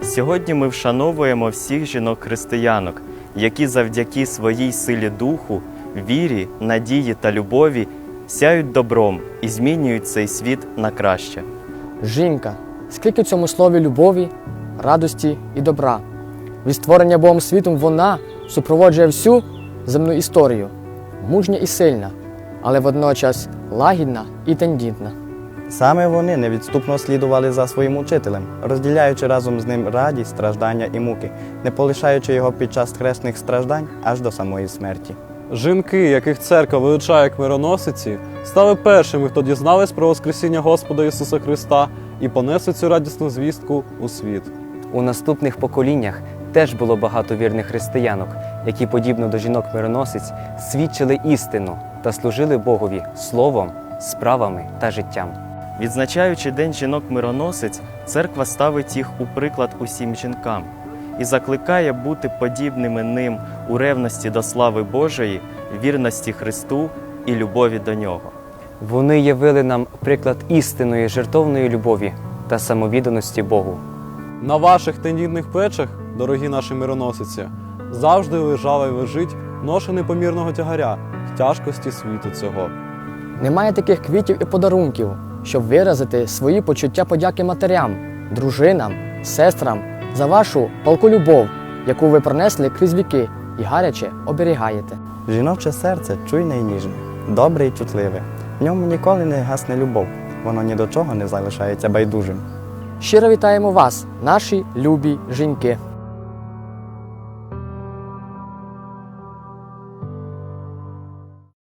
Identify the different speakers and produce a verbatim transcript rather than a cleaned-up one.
Speaker 1: Сьогодні ми вшановуємо всіх жінок-християнок, які завдяки своїй силі духу, вірі, надії та любові сяють добром і змінюють цей світ на краще.
Speaker 2: Жінка, скільки в цьому слові любові, радості і добра. Від створення Богом світом вона супроводжує всю земну історію. Мужня і сильна, але водночас лагідна і тендітна.
Speaker 3: Саме вони невідступно слідували за своїм учителем, розділяючи разом з ним радість, страждання і муки, не полишаючи його під час хресних страждань аж до самої смерті.
Speaker 4: Жінки, яких церква величає як мироносиці, стали першими, хто дізнались про Воскресіння Господа Ісуса Христа і понесли цю радісну звістку у світ.
Speaker 5: У наступних поколіннях теж було багато вірних християнок, які, подібно до жінок-мироносиць, свідчили істину та служили Богові словом, справами та життям.
Speaker 1: Відзначаючи День жінок-мироносиць, церква ставить їх у приклад усім жінкам і закликає бути подібними ним у ревності до слави Божої, вірності Христу і любові до Нього.
Speaker 5: Вони явили нам приклад істинної жертовної любові та самовідданості Богу.
Speaker 4: На ваших тендітних плечах, дорогі наші мироносиці, завжди лежала і лежить ноша непомірного тягаря в тяжкості світу цього.
Speaker 2: Немає таких квітів і подарунків, щоб виразити свої почуття подяки матерям, дружинам, сестрам за вашу палку любов, яку ви пронесли крізь віки і гаряче оберігаєте.
Speaker 3: Жіноче серце чуйне і ніжне, добре і чутливе. В ньому ніколи не гасне любов, воно ні до чого не залишається байдужим.
Speaker 2: Щиро вітаємо вас, наші любі жінки!